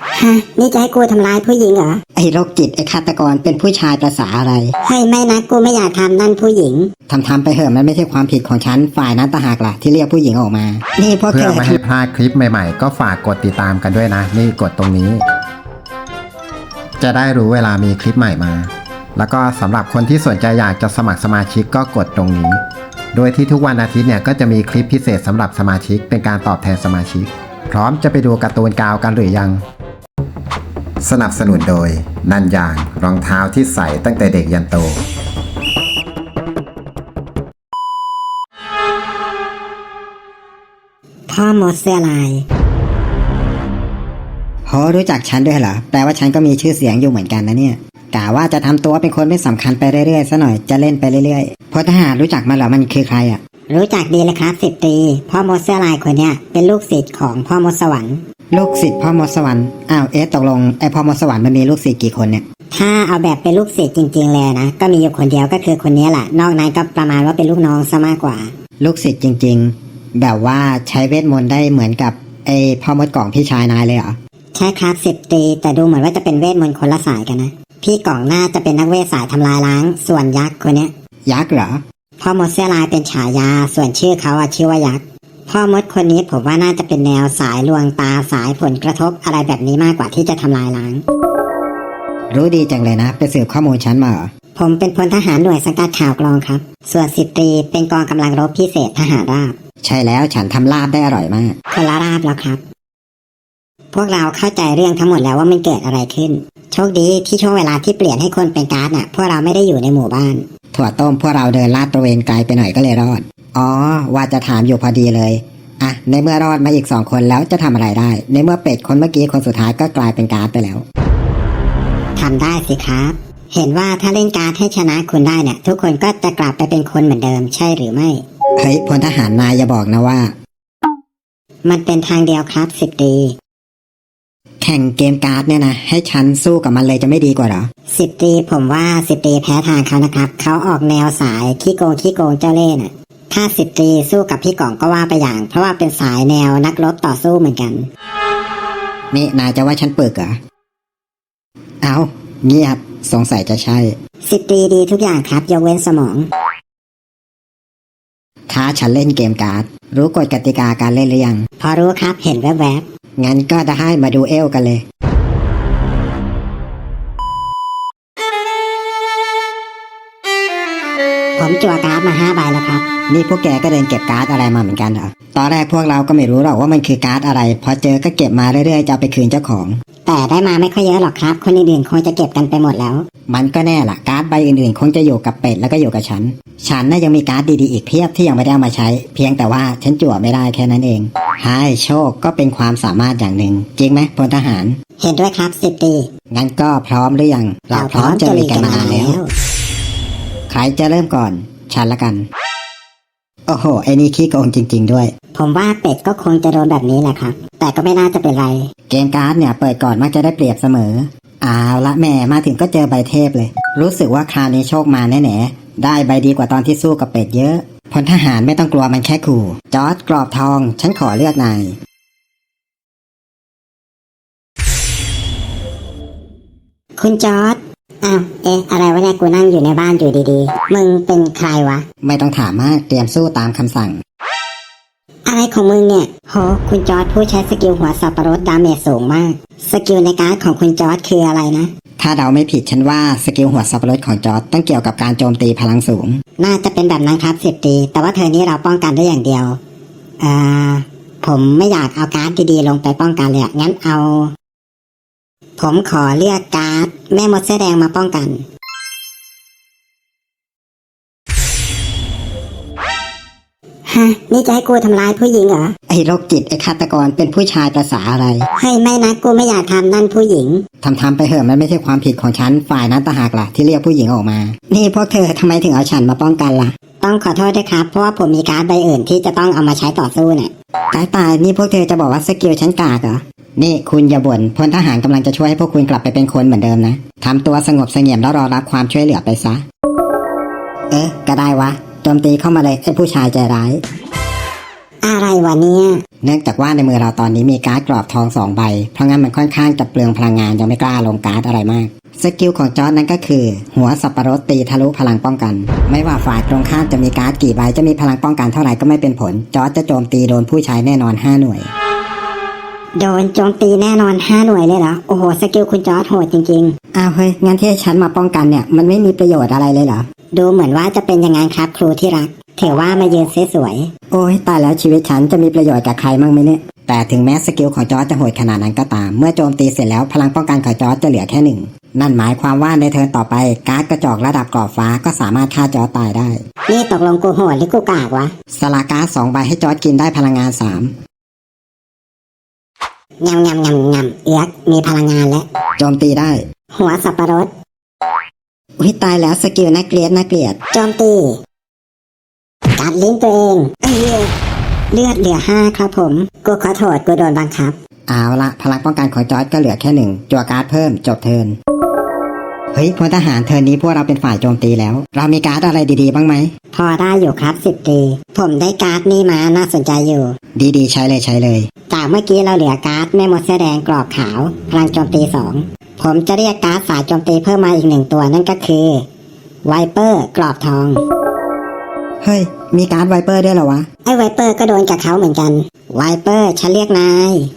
ฮะนี่จะให้กูทำร้ายผู้หญิงเหรอไอ้โรคจิตไอ้ฆาตกรเป็นผู้ชายภาษาอะไรเฮ้ยไม่นะกูไม่อยากทำนั่นผู้หญิงทำไปเถอะมันไม่ใช่ความผิดของฉันฝ่ายนั้นต่างหากล่ะที่เรียกผู้หญิงออกมานี่พวกเธอเพื่อไม่ให้พลาดคลิปใหม่ๆก็ฝากกดติดตามกันด้วยนะนี่กดตรงนี้จะได้รู้เวลามีคลิปใหม่มาแล้วก็สำหรับคนที่สนใจอยากจะสมัครสมาชิกก็กดตรงนี้โดยที่ทุกวันอาทิตย์เนี่ยก็จะมีคลิปพิเศษสำหรับสมาชิกเป็นการตอบแทนสมาชิกพร้อมจะไปดูการ์ตูนกาวกันหรือยังสนับสนุนโดยนันยางรองเท้าที่ใส่ตั้งแต่เด็กยันโตพ่อมดเสื้อลายโหรู้จักฉันด้วยเหรอแปลว่าฉันก็มีชื่อเสียงอยู่เหมือนกันนะเนี่ยกะว่าจะทำตัวเป็นคนไม่สำคัญไปเรื่อยๆซะหน่อยจะเล่นไปเรื่อยๆพลทหารรู้จักมันเหรอมันคือใครอ่ะรู้จักดีเลยครับ10 ตรีพ่อมดเสื้อลายคนเนี้ยเป็นลูกศิษย์ของพ่อมดสวรรค์ลูกศิษย์พ่อมดสวรรค์อ้าวตกลงไอ้พ่อมดสวรรค์มันมีลูกศิษย์กี่คนเนี่ยถ้าเอาแบบเป็นลูกศิษย์จริงๆเลยนะก็มีอยู่คนเดียวก็คือคนนี้แหละนอกนั้นก็ประมาณว่าเป็นลูกน้องซะมากกว่าลูกศิษย์จริงๆแบบว่าใช้เวทมนต์ได้เหมือนกับไอ้พ่อมดกล่องพี่ชายนายเลยเหรอใช่ครับ10 ตรีแต่ดูเหมือนว่าจะเป็นเวทมนต์คนละสายกันนะพี่กล่องน่าจะเป็นนักเวทสายทำลายล้างส่วนยักษ์คนเนี้ยยักษ์เหรอพ่อมดเสื้อลายเป็นฉายาส่วนชื่อเขาชื่อว่ายักษ์พ่อมดคนนี้ผมว่าน่าจะเป็นแนวสายลวงตาสายผลกระทบอะไรแบบนี้มากกว่าที่จะทำลายล้างรู้ดีจังเลยนะไปสืบข้อมูลฉันมาเหรอผมเป็นพลทหารหน่วยสังกัดข่าวกรองครับส่วน10 ตรีเป็นกองกำลังรบพิเศษทหารราบใช่แล้วฉันทำลาบได้อร่อยมากคนละราบแล้วครับพวกเราเข้าใจเรื่องทั้งหมดแล้วว่ามันเกิดอะไรขึ้นโชคดีที่ช่วงเวลาที่เปลี่ยนให้คนเป็นการ์ดน่ะพวกเราไม่ได้อยู่ในหมู่บ้านถั่วต้มพวกเราเดินลาดตระเวนไกลไปหน่อยก็เลยรอดอ๋อว่าจะถามอยู่พอดีเลยอ่ะในเมื่อรอดมาอีก2 คนแล้วจะทำอะไรได้ในเมื่อเป็ดคนเมื่อกี้คนสุดท้ายก็กลายเป็นการ์ดไปแล้วทำได้สิครับเห็นว่าถ้าเล่นการ์ดให้ชนะคุณได้เนี่ยทุกคนก็จะกลับไปเป็นคนเหมือนเดิมใช่หรือไม่เฮ้ยพลทหารนายอย่าบอกนะว่ามันเป็นทางเดียวครับ10 ตรีแข่งเกมการ์ดเนี่ยนะให้ฉันสู้กับมันเลยจะไม่ดีกว่าเหรอ 10 ตรีผมว่า10 ตรีแพ้ทางเขานะครับเขาออกแนวสายขี้โกงเจ้าเล่ห์น่ะถ้า10 ตรีสู้กับพี่กล่องก็ว่าไปอย่างเพราะว่าเป็นสายแนวนักรบต่อสู้เหมือนกันนี่นายจะว่าฉันปึกเหรอเอาเงียบสงสัยจะใช่ 10 ตรีดีทุกอย่างครับยกเว้นสมองท้าฉันเล่นเกมการ์ดรู้กฎกติกาการเล่นหรือยังพอรู้ครับเห็นแวบๆงั้นก็ได้มาดูเอลกันเลยผมจั่วการ์ดมา5 ใบแล้วครับนี่พวกแกก็เดินเก็บการ์ดอะไรมาเหมือนกันเหรอตอนแรกพวกเราก็ไม่รู้หรอกว่ามันคือการ์ดอะไรพอเจอก็เก็บมาเรื่อยๆจะเอาไปคืนเจ้าของแต่ได้มาไม่ค่อยเยอะหรอกครับคนอื่นๆคงจะเก็บกันไปหมดแล้วมันก็แน่ล่ะการ์ดใบอื่นๆคงจะอยู่กับเป็ดแล้วก็อยู่กับฉันน่ะยังมีการ์ดดีๆอีกเพียบที่ยังไม่ได้เอามาใช้เพียงแต่ว่าฉันจั่วไม่ได้แค่นั้นเองให้โชคก็เป็นความสามารถอย่างหนึ่งจริงไหมพลทหารเห็นด้วยครับ10 ตรีงั้นก็พร้อมหรือยังเราพร้อมจะลุยกันมานานแล้วใครจะเริ่มก่อนฉันละกันโอ้โหไอ้นี่ขี้โกงจริงๆด้วยผมว่าเป็ดก็คงจะโดนแบบนี้แหละครับแต่ก็ไม่น่าจะเป็นไรเกมการ์ดเนี่ยเปิดก่อนมักจะได้เปรียบเสมอเอาละแม่มาถึงก็เจอใบเทพเลยรู้สึกว่าคราวนี้โชคมาแน่ๆได้ใบดีกว่าตอนที่สู้กับเป็ดเยอะพลทหารไม่ต้องกลัวมันแค่ขู่จอร์จกรอบทองฉันขอเลือกนายคุณจอร์จอ้าวอะไรวะเนี่ยกูนั่งอยู่ในบ้านอยู่ดีๆมึงเป็นใครวะไม่ต้องถามมากเตรียมสู้ตามคำสั่งอะไรของมึงเนี่ยโหคุณจอร์จผู้ใช้สกิลหัวสับปะรดดาเมจสูงมากสกิลในการ์ดของคุณจอร์จคืออะไรนะถ้าเดาไม่ผิดฉันว่าสกิลหัวสับปะรดของจอร์จต้องเกี่ยวกับการโจมตีพลังสูงน่าจะเป็นแบบนั้นครับ10 ตรีแต่ว่าเธอนี้เราป้องกันได้อย่างเดียวผมไม่อยากเอาการ์ดดีๆลงไปป้องกันเลยงั้นผมขอเลือกการ์ดแม่มดเสื้อแดงมาป้องกันฮะนี่จะให้กูทำร้ายผู้หญิงเหรอไอ้โรคจิตไอ้ฆาตกรเป็นผู้ชายภาษาอะไรเฮ้ยไม่นะกูไม่อยากทำนั่นผู้หญิงทำไปเถอะมันไม่ใช่ความผิดของฉันฝ่ายนั้นต่างหากล่ะที่เรียกผู้หญิงออกมานี่พวกเธอทำไมถึงเอาฉันมาป้องกันล่ะต้องขอโทษด้วยครับเพราะว่าผมมีการ์ดใบอื่นที่จะต้องเอามาใช้ต่อสู้เนี่ยตายนี่พวกเธอจะบอกว่าสกิลฉันกากเหรอนี่คุณอย่าบ่นพลทหารกำลังจะช่วยให้พวกคุณกลับไปเป็นคนเหมือนเดิมนะทำตัวสงบเสงี่ยมแล้วรอรับความช่วยเหลือไปซะก็ได้วะโจมตีเข้ามาเลยไอ้ผู้ชายใจร้ายอะไรวะเนี่ยเนื่องจากว่าในมือเราตอนนี้มีการ์ดกรอบทอง2 ใบ เพราะงั้นมันค่อนข้างจะเปลืองพลังงานยังไม่กล้าลงการ์ดอะไรมากสกิลของจอร์จนั้นก็คือ หัวสับปะรดตีทะลุพลังป้องกัน ไม่ว่าฝ่ายตรงข้ามจะมีการ์ดกี่ใบจะมีพลังป้องกันเท่าไหร่ก็ไม่เป็นผลจอร์จจะโจมตีโดนผู้ใช้แน่นอน5 หน่วยโดนโจมตีแน่นอน5 หน่วยเลยเหรอโอ้โหสกิลคุณจอร์จโหดจริงอ้าวเฮ้ยงั้นที่ให้ฉันมาป้องกันเนี่ยมันไม่มีประโยชน์อะไรเลยเหรอๆ ดูเหมือนว่าจะเป็นยังไงครับครูที่รักถือว่ามายืนสวยโอ้ยตายแล้วชีวิตฉันจะมีประโยชน์กับใครมั่งไหมเนี่ยแต่ถึงแม้สกิลของจอร์จจะโหดขนาดนั้นก็ตามเมื่อโจมตีเสร็จแล้วพลังป้องกันของจอร์จจะเหลือแค่1นั่นหมายความว่าในเทิร์นต่อไปการ์ดกระจอกระดับกรอบฟ้าก็สามารถฆ่าจอร์จตายได้ๆนี่ตกลงกูโหดหรือกูกากวะสลาการ์ด2 ใบให้จอร์จกินได้พลังงาน3 งำเอือกมีพลังงานและโจมตีได้หัวสับปะรดอุ้ยตายแล้วสกิลน่าเกลียดโจมตีกัดลิ้นตัวเองเลือดเหลือ5ครับผมกูขอโทษกูโดนบังคับเอาละพลังป้องกันของจอร์จก็เหลือแค่1จั่วการ์ดเพิ่มจบเทิร์นเฮ้ยพลทหารเทิร์นนี้พวกเราเป็นฝ่ายโจมตีแล้ว เรามีการ์ดอะไรดีๆบ้างไหมพอได้อยู่ครับ10 ตีผมได้การ์ดนี่มาน่าสนใจอยู่ดีๆใช้เลยจากเมื่อกี้เราเหลือการ์ดแม่มดเสื้อแดงกรอบขาวพลังโจมตี2ผมจะเรียกการ์ดสายโจมตีเพิ่มมาอีก1 ตัวนั่นก็คือไวเปอร์กรอบทองเฮ้ยมีการ์ดไวเปอร์ด้วยเหรอวะไอ้ไวเปอร์ก็โดนกับเขาเหมือนกันไวเปอร์ฉันเรียกนาย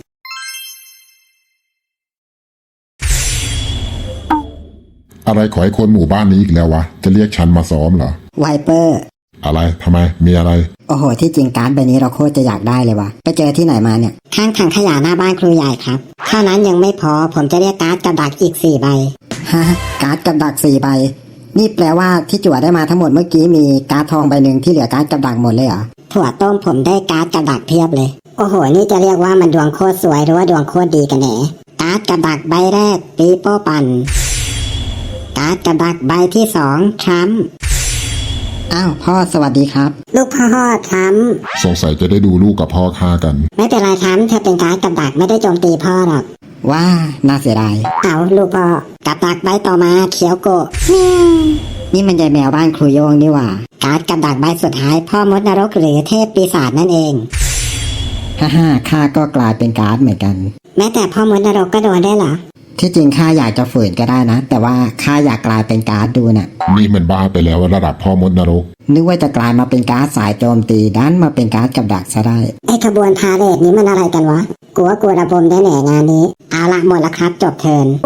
อะไรขอให้คนหมู่บ้านนี้อีกแล้ววะ จะเรียกฉันมาซ้อมเหรอไวเปอร์อะไรทำไม มีอะไรโอ้โหที่จริงการ์ดใบนี้เราโคตรจะอยากได้เลยวะไปเจอที่ไหนมาเนี่ยข้างถังขยะหน้าบ้านครูใหญ่ครับเท่านั้นยังไม่พอผมจะเรียกการ์ดกับดักอีก4 ใบฮะการ์ดกับดัก4 ใบนี่แปลว่าที่จั่วได้มาทั้งหมดเมื่อกี้มีการ์ดทองใบหนึ่งที่เหลือการ์ดกับดักหมดเลยเหรอถั่วต้มผมได้การ์ดกับดักเพียบเลย โอ้โหนี่จะเรียกว่ามันดวงโคตรสวยหรือว่าดวงโคตรดีกันแหนการ์ดกับดักใบแรกปีโป้ปันการ์ดกับดักใบที่2ทรัมป์อ้าวพ่อสวัสดีครับลูกพ่อทรัมป์สงสัยจะได้ดูลูกกับพ่อฆ่ากันไม่เป็นไรทรัมป์เธอเป็นการ์ดกับดักไม่ได้โจมตีพ่อหรอกว้าน่าเสียดายเอาลูกพ่อกับดักใบต่อมาเขียวโกะนี่มันยายแมวบ้านครูโยงนี่หว่าการ์ดกับดักใบสุดท้ายพ่อมดนรกหรือเทพปีศาจนั่นเองฮ่าข้าก็กลายเป็นการ์ดเหมือนกันแม้แต่พ่อมดนรกก็โดนได้เหรอที่จริงข้าอยากจะฝืนก็ได้นะ แต่ว่าข้าอยากกลายเป็นการ์ดดูน่ะนี่มันบ้าไปแล้วระดับพ่อมดนรกนึกว่าจะกลายมาเป็นการ์ดสายโจมตีดันมาเป็นการ์ดกับดักซะได้ไอ้ขบวนพาเหรดนี้มันอะไรกันวะกูว่ากูระบมได้แหน่งานนี้เอาละหมดละครับจบเทิร์น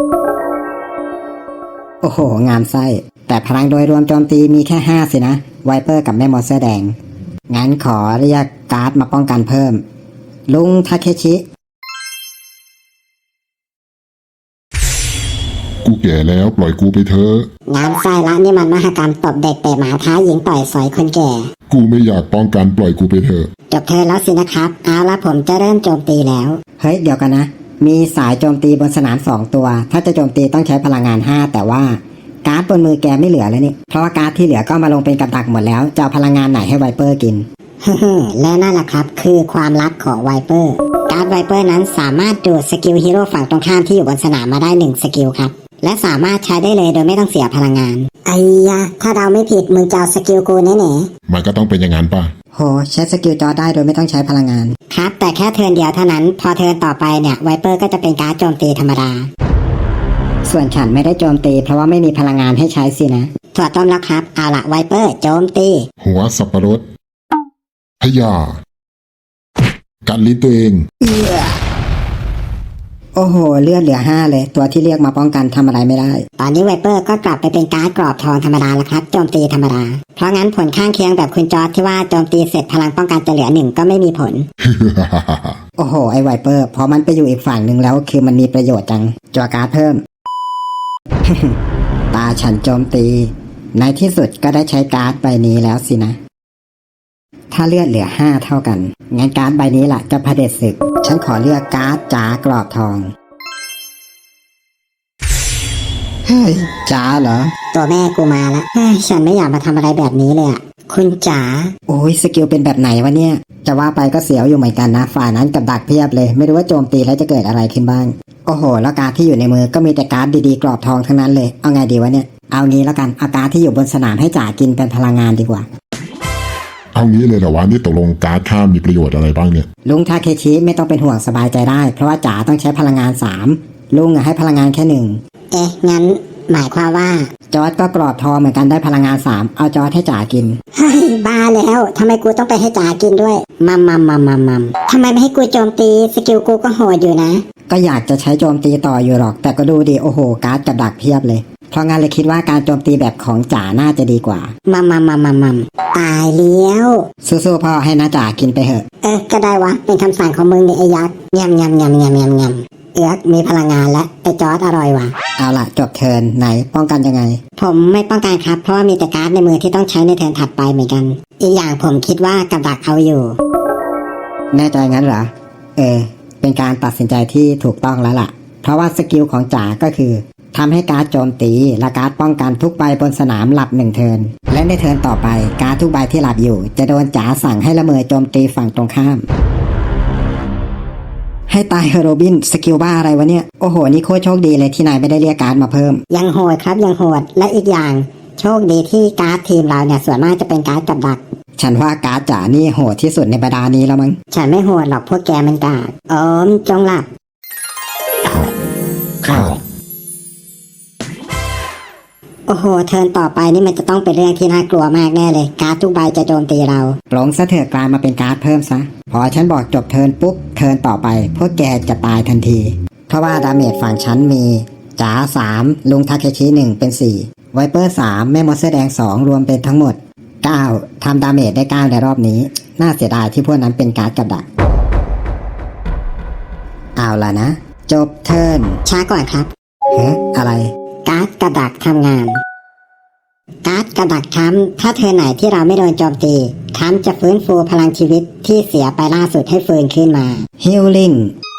โอ้โหงามไส้แต่พลังโดยรวมโจมตีมีแค่5สินะไวเปอร์กับแม่มดเสื้อแดงงั้นขอเรียกการ์ดมาป้องกันเพิ่มลุงทาเคชิกูแก่แล้วปล่อยกูไปเถอะงานไส้ละนี่มันมหกรรมตบเด็กเตะหมาท้าหญิงต่อยสอยคนแก่กูไม่อยากป้องกันปล่อยกูไปเถอะจบเทิร์นแล้วสินะครับเอาละผมจะเริ่มโจมตีแล้วเฮ้ยเดี๋ยวกันนะมีสายโจมตีบนสนาม2 ตัวถ้าจะโจมตีต้องใช้พลังงาน5แต่ว่าการ์ดบนมือแกไม่เหลือแล้วนี่เพราะว่าการ์ดที่เหลือก็มาลงเป็นกับดักหมดแล้วจะเอาพลังงานไหนให้ไวเปอร์กินและนั่นแหละครับคือความลับของไวเปอร์การ์ดไวเปอร์นั้นสามารถดูดสกิลฮีโร่ฝั่งตรงข้ามที่อยู่บนสนามมาได้1 สกิลครับและสามารถใช้ได้เลยโดยไม่ต้องเสียพลังงานไอ้ยะถ้าเราไม่ผิดมึงจะเอาสกิลกูแน่ๆมันก็ต้องเป็นอย่างนั้นป่ะโหใช้สกิลจอได้โดยไม่ต้องใช้พลังงานครับแต่แค่เทิร์นเดียวเท่านั้นพอเทิร์นต่อไปเนี่ยไวเปอร์ก็จะเป็นการ์ดโจมตีธรรมดาส่วนฉันไม่ได้โจมตีเพราะว่าไม่มีพลังงานให้ใช้สินะถั่วต้มแล้วครับเอาละไวเปอร์โจมตีหัวสับปะรดพยากันลิ้นตัวเองโอ้โหเลือดเหลือ5เลยตัวที่เรียกมาป้องกันทำอะไรไม่ได้ตอนนี้ไวเปอร์ก็กลับไปเป็นการ์ดกรอบทองธรรมดาแล้วครับโจมตีธรรมดาเพราะงั้นผลข้างเคียงแบบคุณจอร์จที่ว่าโจมตีเสร็จพลังป้องกันจะเหลือ1ก็ไม่มีผลโอ้โหไอไวเปอร์พอมันไปอยู่อีกฝั่งหนึ่งแล้วคือมันมีประโยชน์จังจั่วการ์ดเพิ่ม ตาฉันโจมตี ในที่สุดก็ได้ใช้การ์ดใบนี้แล้วสินะ ถ้าเลือดเหลือ5เท่ากันงั้นการ์ดใบนี้ล่ะจะเผด็จศึกฉันขอเลือกการ์ดจ๋ากรอบทองเฮ้ยจ๋าเหรอตัวแม่กูมาแล้วเฮ้ยฉันไม่อยากมาทำอะไรแบบนี้เลยอะคุณจ๋าโอ้ยสกิลเป็นแบบไหนวะเนี่ยจะว่าไปก็เสียวอยู่เหมือนกันนะฝ่ายนั้นกับดักเพียบเลยไม่รู้ว่าโจมตีแล้วจะเกิดอะไรขึ้นบ้างโอ้โหแล้วการ์ดที่อยู่ในมือก็มีแต่การ์ดดีๆกรอบทองทั้งนั้นเลยเอาไงดีวะเนี่ยเอางี้แล้วกันเอาการ์ดที่อยู่บนสนามให้จ๋ากินเป็นพลังงานดีกว่าเอางี้เลยเหรอวะนี่ตกลงการ์ดข้ามมีประโยชน์อะไรบ้างเนี่ยลุงทาเคชิไม่ต้องเป็นห่วงสบายใจได้เพราะว่าจ๋าต้องใช้พลังงาน3ลุงให้พลังงานแค่ 1 เอ๊ะงั้นหมายความว่าจอร์ดก็กรอบทองเหมือนกันได้พลังงาน3เอาจอร์ดให้จ๋ากินเฮ้ยบ้าแล้วทำไมกูต้องไปให้จ๋ากินด้วยมัมทำไมไม่ให้กูโจมตีสกิลกูก็โหดอยู่นะก็อยากจะใช้โจมตีต่ออยู่หรอกแต่ก็ดูดิโอ้โหการ์ดกับดักเพียบเลยเพราะงั้นเลยคิดว่าการโจมตีแบบของจ๋าน่าจะดีกว่ามัมตายแล้วสู้ๆพ่อให้น้าจ๋ากินไปเถอะก็ได้วะเป็นคำสั่งของมึงนี่ไอ้ยักษ์ยำเอือกมีพลังงานและไอ้จอร์ดอร่อยว่ะเอาล่ะจบเทิร์นไหนป้องกันยังไงผมไม่ป้องกันครับเพราะว่ามีแต่การ์ดในมือที่ต้องใช้ในเทิร์นถัดไปเหมือนกัน อีกอย่างผมคิดว่ากับดักเอาอยู่แน่ใจงั้นเหรอเป็นการตัดสินใจที่ถูกต้องแล้วล่ะ เพราะว่าสกิลของจ๋าก็คือทำให้การ์ดโจมตีและการ์ดป้องกันทุกใบบนสนามหลับ1เทิร์นและในเทิร์นต่อไปการ์ดทุกใบที่หลับอยู่จะโดนจ๋าสั่งให้ละเมอโจมตีฝั่งตรงข้ามให้ตายเฮโรบินสกิลบ้าอะไรวะเนี่ยโอ้โหนี่โคตรโชคดีเลยที่นายไม่ได้เรียกการ์ดมาเพิ่มยังโหดครับยังโหดและอีกอย่างโชคดีที่การ์ดทีมเราเนี่ยส่วนมากจะเป็นการ์ดกับดักฉันว่าการ์ดจ๋านี่โหดที่สุดในบรรดานี้แล้วมั้งฉันไม่โหดหรอกพวกแกมันกากจงหลับข้าวโอ้โหเทิร์นต่อไปนี่มันจะต้องเป็นเรื่องที่น่ากลัวมากแน่เลยการ์ดทุกใบจะโจมตีเราปลงซะเถอะกลายมาเป็นการ์ดเพิ่มซะพอฉันบอกจบเทิร์นปุ๊บเทิร์นต่อไปพวกแกจะตายทันทีเพราะว่าดาเมจฝั่งฉันมีจ๋า3ลุงทาเคชิ1เป็น4ไวเปอร์3แม่มดเสื้อแดง2รวมเป็นทั้งหมด9ทำดาเมจได้9ในรอบนี้น่าเสียดายที่พวกนั้นเป็นการ์ดกับดักเอาล่ะนะจบเทิร์นช้าก่อนครับอะไรการ์ดกับดักทำงานการ์ดกับดักค้ำถ้าเทิร์นไหนที่เราไม่โดนโจมตีค้ำจะฟื้นฟูพลังชีวิตที่เสียไปล่าสุดให้ฟื้นขึ้นมา Healing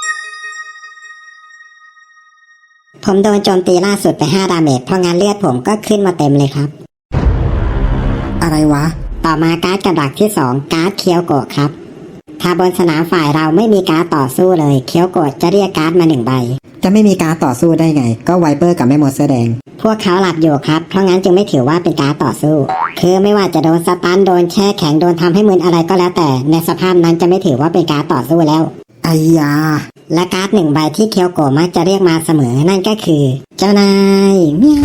ผมโดนโจมตีล่าสุดไป5ดาเมจเพราะงั้นเลือดผมก็ขึ้นมาเต็มเลยครับอะไรวะต่อมาการ์ดกับดักที่2การ์ดเคียวโกะครับถ้าบนสนามฝ่ายเราไม่มีการ์ดต่อสู้เลยเคียวโกะจะเรียกการ์ดมา1ใบจะไม่มีการต่อสู้ได้ไงก็ไวเปอร์กับแม่มดเสื้อแดงพวกเขาหลับอยู่ครับเพราะงั้นจึงไม่ถือว่าเป็นการต่อสู้คือไม่ว่าจะโดนสตันโดนแช่แข็งโดนทำให้มึนอะไรก็แล้วแต่ในสภาพนั้นจะไม่ถือว่าเป็นการต่อสู้แล้วไอ้ยาและการ์ด1ใบที่เคียวโกะมักจะเรียกมาเสมอนั่นก็คือเจ้านายเมียว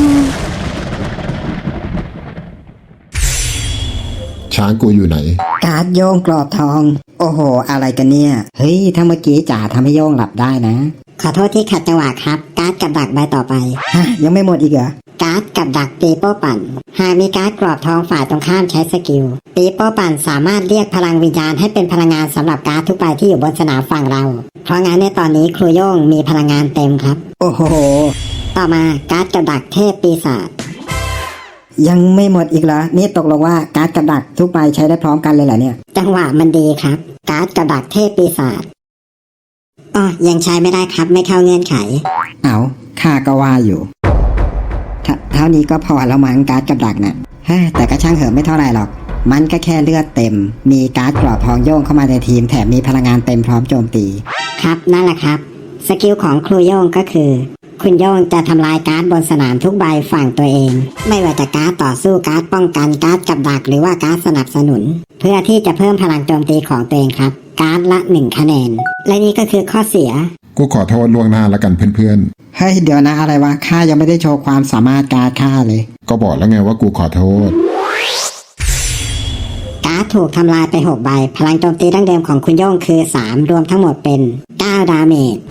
ช้างกูอยู่ไหนการ์ดโยงกรอบทอง โอ้โหอะไรกันเนี่ยเฮ้ยถ้าเมื่อกี้จ๋าทำให้โยงหลับได้นะขอโทษที่ขัดจังหวะครับการ์ดกับดักใบต่อไปฮะยังไม่หมดอีกเหรอการ์ดกับดักปีโป้ปั่นหากมีการ์ดกรอบทองฝ่ายตรงข้ามใช้สกิลปีโป้ปั่นสามารถเรียกพลังวิญญาณให้เป็นพลังงานสำหรับการ์ดทุกใบที่อยู่บนสนามฝั่งเราเพราะงั้นในตอนนี้ครูโย่งมีพลังงานเต็มครับโอ้โหต่อมาการ์ดกับดักเทพปีศาจยังไม่หมดอีกเหรอนี่ตกลงว่าการ์ดกับดักทุกใบใช้ได้พร้อมกันเลยเหรอเนี่ยจังหวะมันดีครับการ์ดกับดักเทพปีศาจยังใช้ไม่ได้ครับไม่เข้าเงื่อนไขเอาข้าก็ว่าอยู่เท่านี้ก็พอแล้วมั้งการ์ดกับดักน่ะเฮ้ยแต่ก็ช่างเหอะไม่เท่าไหร่หรอกมันก็แค่เลือดเต็มมีการ์ดกรอบทองโยงเข้ามาในทีมแถมมีพลังงานเต็มพร้อมโจมตีครับนั่นแหละครับสกิลของครูโย่งก็คือคุณโย่งจะทำลายการ์ดบนสนามทุกใบฝั่งตัวเอง ไม่ว่าจะการ์ดต่อสู้การ์ดป้องกันการ์ดกับดักหรือว่าการ์ดสนับสนุน เพื่อที่จะเพิ่มพลังโจมตีของตัวเองครับการ์ดละ1คะแนนและนี่ก็คือข้อเสียกูขอโทษล่วงหน้าแล้วกันเพื่อนเฮ้ยเดี๋ยวนะอะไรวะข้ายังไม่ได้โชว์ความสามารถการ์ดข้าเลยๆ ก็บอกแล้วไงว่ากูขอโทษการ์ดถูกทำลายไป6ใบพลังโจมตีดั้งเดิมของคุณโย่งคือ3รวมทั้งหมดเป็น9ดาเมจ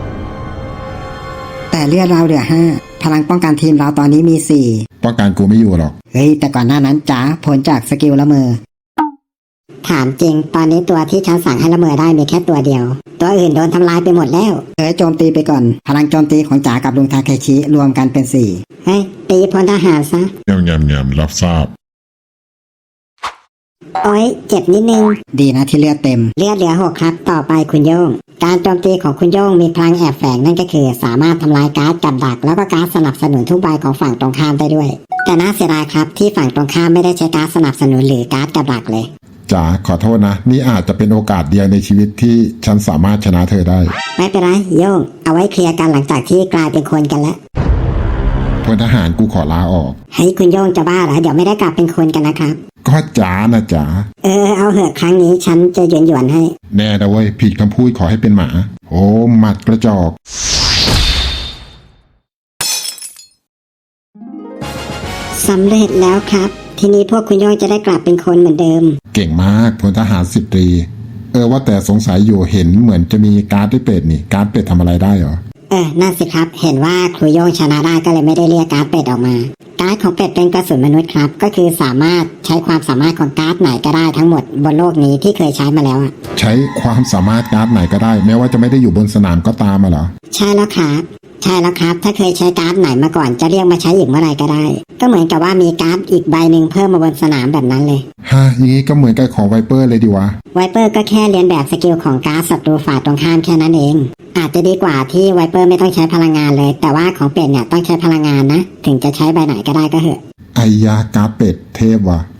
แต่เลือดเราเหลือ5พลังป้องกันทีมเราตอนนี้มี4 ป้องกันกูไม่อยู่หรอกเฮ้ยแต่ก่อนหน้านั้นจ๋าผลจากสกิลละเมอถามจริงตอนนี้ตัวที่ฉันสั่งให้ละเมอได้มีแค่ตัวเดียวตัวอื่นโดนทำลายไปหมดแล้วโจมตีไปก่อนพลังโจมตีของจ๋ากับลุงทาเคชิรวมกันเป็น4 เฮ้ยตีพลทหารซะยำรับทราบโอ๊ยเจ็บนิดนึงดีนะที่เลือดเต็มเลือดเหลือ6ครับต่อไปคุณโย่งการโจมตีของคุณโย่งมีพลังแอบแฝงนั่นก็คือสามารถทำลายการ์ดกับดักแล้วก็การ์ดสนับสนุนทุกใบของฝั่งตรงข้ามได้ด้วยแต่น่าเสียดายครับที่ฝั่งตรงข้ามไม่ได้ใช้การ์ดสนับสนุนหรือการ์ดกับดักเลยจ๋าขอโทษนะนี่อาจจะเป็นโอกาสเดียวในชีวิตที่ฉันสามารถชนะเธอได้ไม่เป็นไรโย่งเอาไว้เคลียร์กันหลังจากที่กลายเป็นคนกันแล้วพลทหารกูขอลาออกให้คุณโย่งจะบ้าเหรอเดี๋ยวไม่ได้กลับเป็นคนกันนะครับก็จ๋านะจ๋าเอาเหอะครั้งนี้ฉันจะหยวนๆให้แน่นะเว้ยผิดคำพูดขอให้เป็นหมา โอ้หมัดกระจอกสำเร็จแล้วครับ ทีนี้พวกคุณโย่งจะได้กลับเป็นคนเหมือนเดิมเก่งมากพลทหาร10 ตรี ว่าแต่สงสัยอยู่เห็นเหมือนจะมีการ์ดด้วยเป็ดนี่การ์ดเป็ดทำอะไรได้เหรอนั่นสิครับ เห็นว่าครูโย่งชนะได้ก็เลยไม่ได้เรียกการ์ดเป็ดออกมา การ์ดของเป็ดเป็นกระสุนมนุษย์ครับ ก็คือสามารถใช้ความสามารถของการ์ดไหนก็ได้ทั้งหมดบนโลกนี้ที่เคยใช้มาแล้วอะใช้ความสามารถการ์ดไหนก็ได้ แม้ว่าจะไม่ได้อยู่บนสนามก็ตามมาเหรอใช่แล้วครับ ใช่แล้วครับ ถ้าเคยใช้การ์ดไหนมาก่อนจะเรียกมาใช้อีกเมื่อไหร่ก็ได้ ก็เหมือนกับว่ามีการ์ดอีกใบหนึ่งเพิ่มมาบนสนามแบบนั้นเลยฮะอย่างนี้ก็เหมือนกับของไวเปอร์เลยดีวะไวเปอร์ก็แค่เรียนแบบสกิลของการ์ดศัตรูฝ่ายตรงข้ามแค่นั้นเอง อาจจะดีกว่าที่ไวเปอร์ไม่ต้องใช้พลังงานเลย แต่ว่าของเป็ดเนี่ยต้องใช้พลังงานนะ ถึงจะใช้ใบไหนก็ได้ก็เหอะไอยาการ์ดเป็ดเทพว่ะ